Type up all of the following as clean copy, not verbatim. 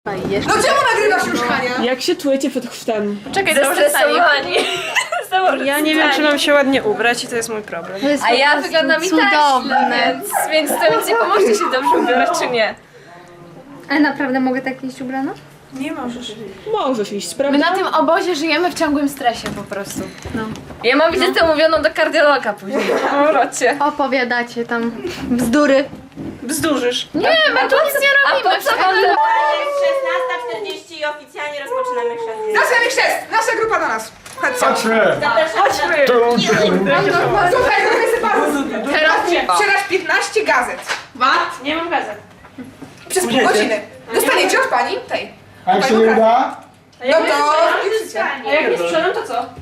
No czemu nagrywasz już, Hania? Jak się czujecie przed chrztem? Czekaj, zestresowani. Ja nie wiem, czy mam się ładnie ubrać i to jest mój problem. A ja wyglądam i tak źle, więc to nic nie pomoże się dobrze ubierać, czy nie? Ale naprawdę mogę tak iść ubrana? Nie możesz. Możesz iść, prawda? My na tym obozie żyjemy w ciągłym stresie po prostu. No. Ja mam wizytę umówioną do kardiologa później po powrocie. Opowiadacie tam bzdury. Bzdurzysz. Nie, my tu nic nie robimy. A po co wam Jest 16:40 i oficjalnie rozpoczynamy chrzest. Zaczynamy chrzest! Nasza grupa do nas! Chodźcie. Chodźmy! Słuchaj, trochę sobie bardzo. Wczoraj 15 gazet. Wat? Nie mam gazet. Przez pół godziny. Dostaniecie od pani tej. A jak się nie uda? No to piszcie. A jak nie sprzedam, to co?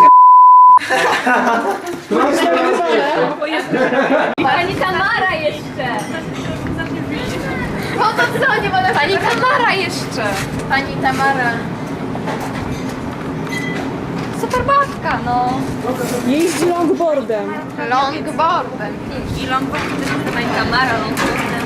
Pani Tamara jeszcze! Po to co? Nie ma Pani Tamara jeszcze! Pani Tamara. Super babka, no. Jeździ longboardem. Longboardem. I longboard też jest pani Tamara longboardem.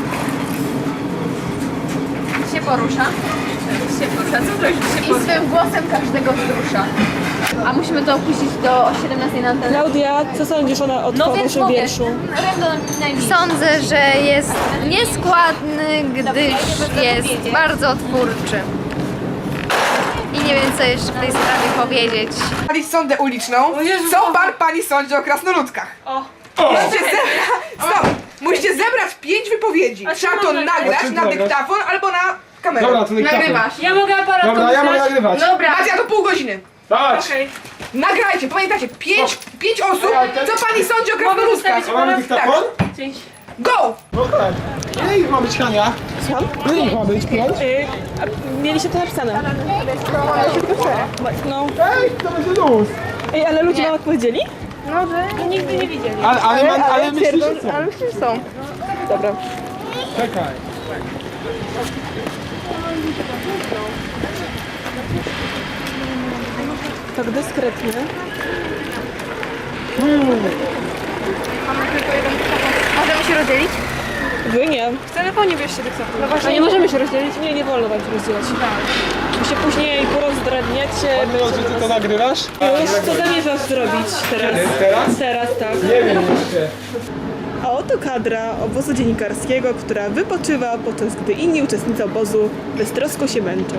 Się porusza. Się porusza, co to już się I porusza? swym głosem każdego wzrusza. A musimy to opuścić do 17 na antenę. Klaudia, co sądzisz o waszym wierszu? Sądzę, że jest nieskładny, gdyż jest bardzo twórczy. I nie wiem, co jeszcze w tej sprawie powiedzieć. Pani sądę uliczną. Co pan pani sądzi o krasnoludkach? Musicie zebrać... Stop! Musicie zebrać 5 wypowiedzi. Trzeba to nagrać czym na nagrasz? dyktafon albo na kamerę. Dobra, to Nagrywasz. Ja mogę aparat Dobra, ja mogę nagrywać. Dobra, macie na to pół godziny. Dać! Nagrajcie, pamiętajcie, 5 osób, co pani sądzi o krasnoludkach. A mamy dyktafon? Go! Okej. Ile ich ma być, Hania? Ile ich ma być, 5? Mieliście to napisane. No. Ej, to będzie luz. Ej, ale ludzie wam odpowiedzieli? Ale myślisz, że co? Ale myślę, że są. Dobra. Czekaj. Tak dyskretnie. Możemy się rozdzielić? Wy nie. W telefonie bierzcie dyktafon. No właśnie. A nie możemy się rozdzielić? Nie, nie wolno wam się rozdzielać. Tak. Wy się później porozdrabniacie. Miło, że ty to nagrywasz? Już co zamierzasz zrobić teraz? Teraz? Teraz, tak. Nie wiem jeszcze. A oto kadra obozu dziennikarskiego, która wypoczywa, podczas gdy inni uczestnicy obozu beztrosko się męczą.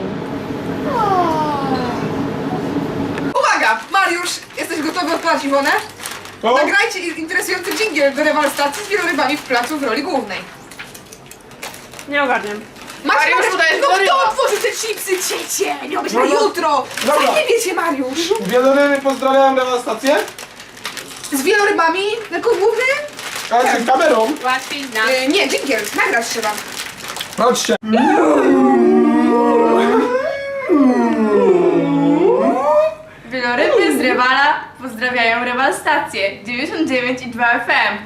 Uwaga! Mariusz, jesteś gotowy odpalać Iwonę? O! Nagrajcie interesujący dżingiel do rewalstacji z wielorybami w placu w roli głównej. Nie ogarniam. Mariusz, to jest no goryla. kto otworzy te chipsy, ciecie? Nie być na No, no. jutro! Co Dobra. nie wiecie, Mariusz? Wieloryby pozdrawiam dewastację. Z wielorybami jako głównym? A czy kamerą? Łatwiej znam. Nie, dżingiel, nagrać trzeba. Chodźcie. Wieloryby z Rewala pozdrawiają Rewal stację 99,2 FM.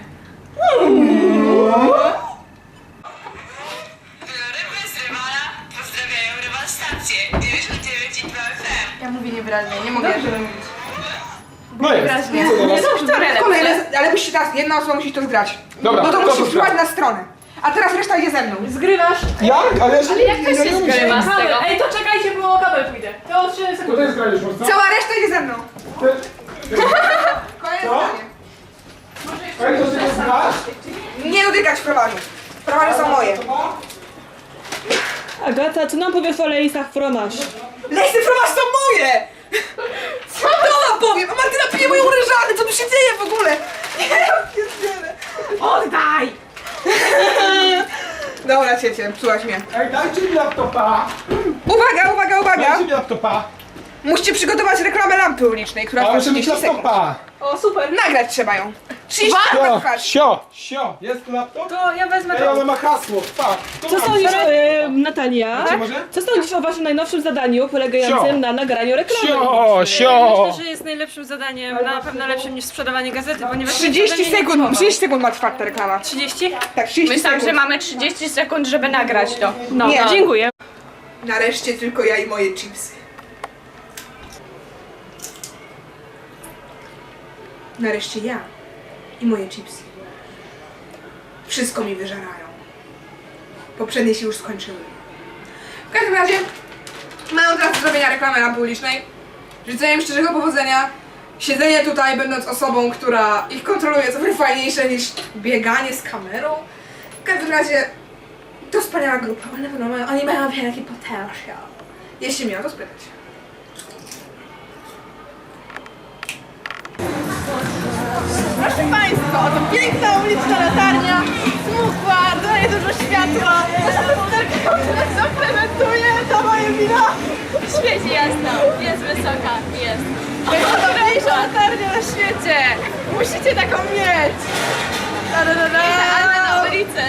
Wieloryby z Rewala pozdrawiają Rewal stację 99,2 FM. Ja mówię niewyraźnie, nie mogę mówić. No jest. Wyraźnie. Co teraz? Kolejne, ale musicie teraz, jedna osoba musi to zgrać. Dobra, No to kto musisz to wpływać zgra? na stronę. A teraz reszta idzie ze mną. Zgrywasz? Jak? Ale jeszcze Jak to się zgrywa z tego? Ej, to czekajcie, bo kabel pójdzie. To 3 To sekundy. jest granisz mocno? Cała reszta idzie ze mną. Kolejne Co? zdanie. Ej, to się znasz? Nie dotykać fromażu. Fromaże są moje. Agata, co nam powiesz o lejsach fromaż? Lejsy fromaż są moje! Co to powiem? A Martyna pije moją ryżanę, co tu się dzieje w ogóle? Ja pierdzielę. Oddaj! Dobra, ciecie, psułaś mnie. Ej, dajcie mi laptopa. Uwaga, uwaga, uwaga! Dajcie mi laptopa. Musicie przygotować reklamę lampy ulicznej, która A trwa muszę mieć 30 sekund. laptopa. O, super. Nagrać trzeba ją. 30 sekund Sio, trwać. sio. Jest tu laptop? To ja wezmę Ej, ona ma hasło. Pa. Co sądzisz, Natalia? Czy może? Co sądzisz o waszym najnowszym zadaniu polegającym Sio. na nagraniu reklamy? Sio. Myślę, że jest najlepszym zadaniem, na pewno lepszym niż sprzedawanie gazety, ponieważ 30 sekund, 30 sekund ma trwać ta reklama. 30? Tak, 30 Myślałam, sekund. że mamy 30 sekund, żeby nagrać to. No, Nie. dziękuję. Nareszcie tylko ja i moje chipsy. Nareszcie ja i moje chipsy. Wszystko mi wyżerają. Poprzednie się już skończyły. W każdym razie mają teraz do zrobienia reklamę lampy ulicznej. Życzę im szczerego powodzenia. Siedzenie tutaj, będąc osobą, która ich kontroluje, co wiele fajniejsze niż bieganie z kamerą. W każdym razie to wspaniała grupa, ale na pewno oni mają wielki potencjał. Jeśli mnie o to spytać. Proszę Państwa, oto piękna uliczna latarnia, smukła, daje dużo światła. Nasza lusterka nas zaplementuje, to moje wina. Świeci jasno, jest wysoka, jest. Najważniejsza latarnia na świecie. Musicie taką mieć. Ale na ulicy.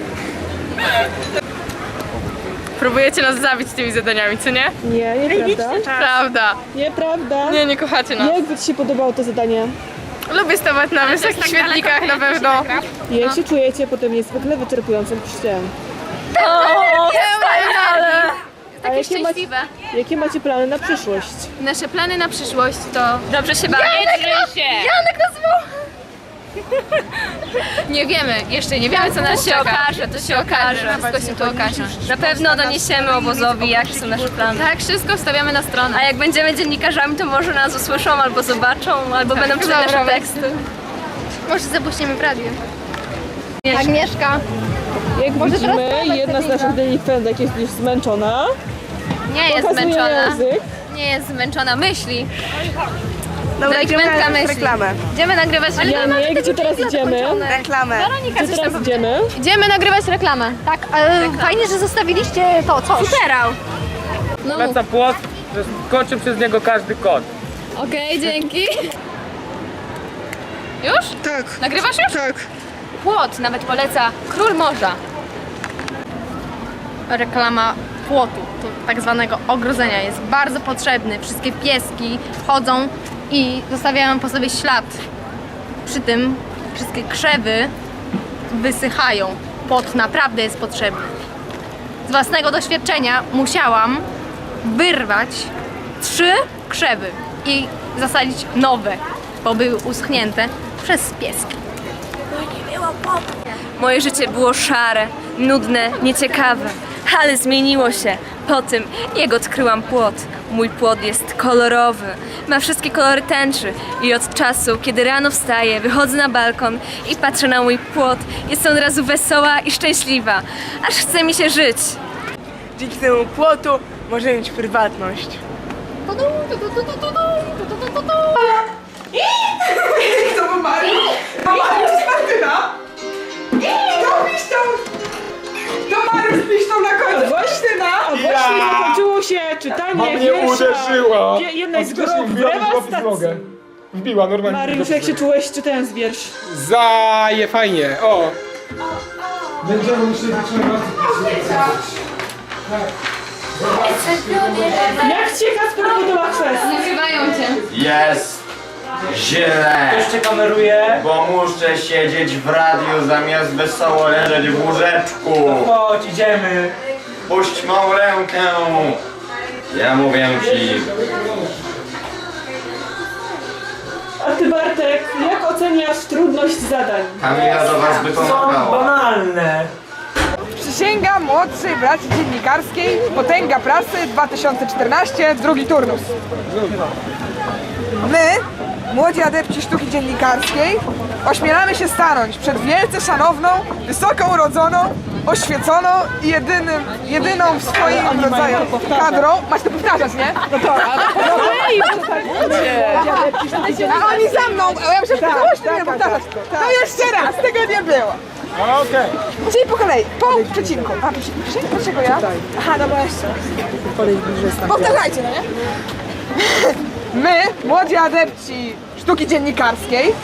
Próbujecie nas zabić tymi zadaniami, co nie? Nie, nieprawda. Prawda. Nieprawda. Nie kochacie nas. Jak by ci się podobało to zadanie? Lubię stawać na wysokich świetlikach na pewno. Jak się czujecie po tym niezwykle wyczerpującym chrzcie? Takie szczęśliwe. Jakie macie plany na przyszłość? Nasze plany na przyszłość to... Dobrze się bawię. Janek nas woła! Nie wiemy, jeszcze nie wiemy co nas czeka. To się okaże. Wszystko się tu okaże. Na pewno doniesiemy obozowi, jakie są nasze plany. Tak, wszystko wstawiamy na stronę. A jak będziemy dziennikarzami, to może nas usłyszą, albo zobaczą, albo będą czytać nasze teksty. Może zapuścimy w radiu. Agnieszka. Jak widzimy, jedna z naszych delikwentek jest już zmęczona. Nie jest Pokazuje zmęczona. język. Nie jest zmęczona, myśli. Delikwentka myśli. Idziemy nagrywać reklamę. Janek, gdzie teraz idziemy? Weronika Gdzie teraz idziemy? Idziemy nagrywać reklamę. Tak, ale fajnie, że zostawiliście to, coś. Superał. No, Wraca płot, że skoczy przez niego każdy kot. okej, dzięki. Już? Tak. Nagrywasz już? Tak. Płot nawet poleca Król Morza. Reklama płotu, tak zwanego ogrodzenia, jest bardzo potrzebny. Wszystkie pieski wchodzą i zostawiają po sobie ślad. Przy tym wszystkie krzewy wysychają. Płot naprawdę jest potrzebny. Z własnego doświadczenia musiałam wyrwać 3 krzewy i zasadzić nowe, bo były uschnięte przez pieski. Moje życie było szare, nudne, nieciekawe, ale zmieniło się po tym, jak odkryłam płot. Mój płot jest kolorowy, ma wszystkie kolory tęczy i od czasu, kiedy rano wstaję, wychodzę na balkon i patrzę na mój płot, jestem od razu wesoła i szczęśliwa, aż chce mi się żyć. Dzięki temu płotu możemy mieć prywatność. To był Mariusz. Mariusz z Martyna. To piszczą. To Mariusz piszczą na końcu. Martyna. A właśnie zakończyło się czytanie Mnie wiersza uderzyła. jednej z Wbiła grup mi w nogę w dewastacji. nogę. Wbiła normalnie. Mariusz, jak się czułeś czytając wiersz? Zaje fajnie, o. Będziemy musieli Jak cię Kacper podoba kwestia? Nazywają cię. Jest źle, Ktoś cię kameruje? bo muszę siedzieć w radiu zamiast wesoło leżeć w łóżeczku. Chodź, idziemy. Puść mą rękę. Ja mówię ci, A ty Bartek, jak oceniasz trudność zadań? Kamila do was by Są pomagała. banalne. Przysięga młodszej braci dziennikarskiej, Potęga Prasy 2014, drugi turnus. My, młodzi adepci sztuki dziennikarskiej, ośmielamy się stanąć przed wielce szanowną, wysoko urodzoną, oświeconą i jedyną w swoim rodzaju kadrą. Masz to powtarzać, nie? No to. A oni za mną, a ja muszę głośno nie powtarzać. To jeszcze raz, tego nie było. Okej. Czyli po kolei, po przecinku. A, przecinek? Dlaczego ja? Aha, dobra, jeszcze raz. Powtarzajcie, no nie? My, młodzi adepci sztuki dziennikarskiej.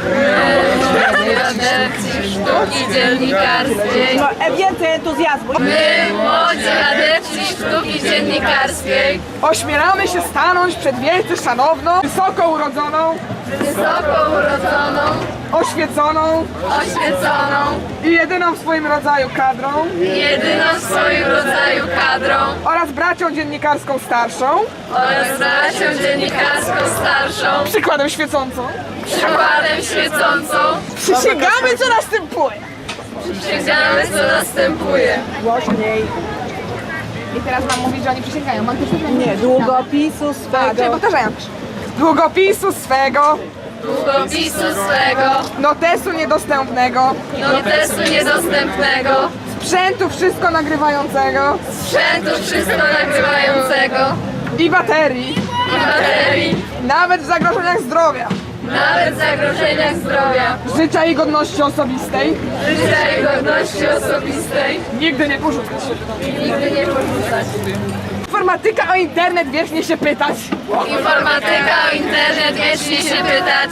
Sztuki dziennikarskiej. Więcej entuzjazmu. My, młodzi adepci sztuki dziennikarskiej, Ośmielamy się stanąć przed wielce szanowną, wysoko urodzoną, wysoko urodzoną, oświeconą oświeconą, i jedyną w swoim rodzaju kadrą jedyną w swoim rodzaju kadrą oraz bracią dziennikarską starszą, oraz bracią dziennikarską starszą, przykładem świecącą. przykładem świecącą, Przysięgamy, co następuje. przysięgamy, co następuje. Głośniej. I teraz mam mówić, że oni przysięgają. Mam też Nie, długopisu A, czyli swego. powtarzają. Długopisu swego, Długopisu swego, notesu niedostępnego, notesu niedostępnego, sprzętu wszystko nagrywającego sprzętu wszystko nagrywającego i baterii, i baterii, nawet w zagrożeniach zdrowia, nawet w zagrożeniach zdrowia, życia i godności osobistej, życia i godności osobistej, nigdy nie porzucać. nigdy nie porzucać. Informatyka o internet wiecznie się pytać. Informatyka o internet wiecznie się pytać.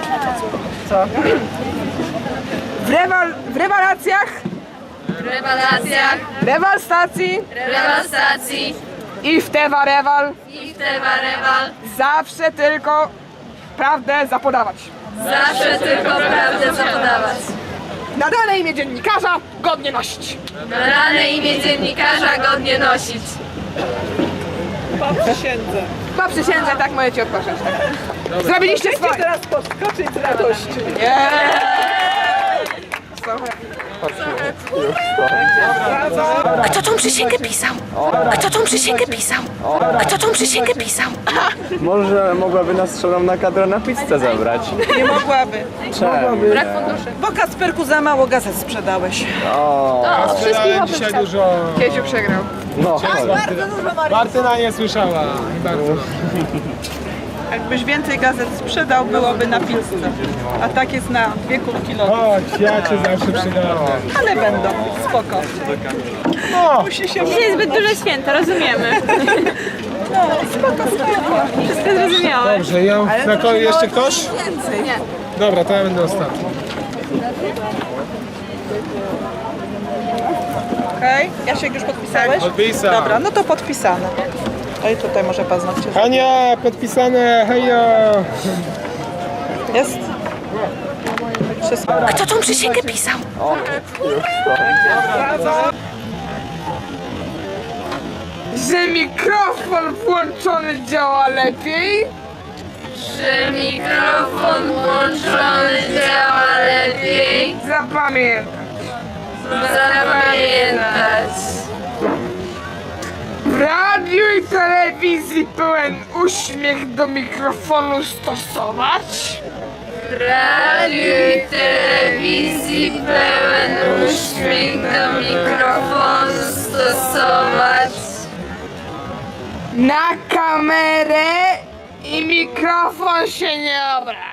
W rewelacjach, W rewelacjach, rewal stacji rewal stacji i w Tewa Rewal i w Tewa Rewal zawsze tylko prawdę zapodawać. zawsze tylko prawdę zapodawać. Nadane imię dziennikarza godnie nosić. Rane imię dziennikarza godnie nosić. Przysiędzę. Po przysiędze tak możecie odpocząć. Zrobiliście swoje. Teraz podskoczyć z radości. Kto tą przysięgę pisał? Kto tą przysięgę pisał? Kto tą przysięgę pisał? Może mogłaby nas stroną na kadrę na pizzę zabrać? Nie mogłaby. Czemu? Brak funduszy. Bo Kasperku za mało gazet sprzedałeś. Sprzedałem dzisiaj dużo. Kiesiu przegrał. No, Martyna nie słyszała. Bardzo. Jakbyś więcej gazet sprzedał, byłoby na pizzę. A tak jest na 2 kubki lodu. Chodź, ja cię zawsze przydałem. Ale będą, spoko. No, Musi się... Dzisiaj jest zbyt duże święto, rozumiemy. No, spoko. Wszystko zrozumiałe. dobrze, ja na kolei jeszcze ktoś? Nie. Dobra, to ja będę ostatni. Okej, Jasiek już podpisałeś? Podpisał. Dobra, no to podpisane. No i tutaj może paznokcie. Hania, podpisane, hejo! Jest? Wszystko. Kto tą przysięgę pisał? Że mikrofon włączony działa lepiej. Że mikrofon włączony działa lepiej. Zapamiętaj. Zapamiętać. W radiu i telewizji pełen uśmiech do mikrofonu stosować. W radiu i telewizji pełen uśmiech do mikrofonu stosować. Na kamerę i mikrofon się nie obraca.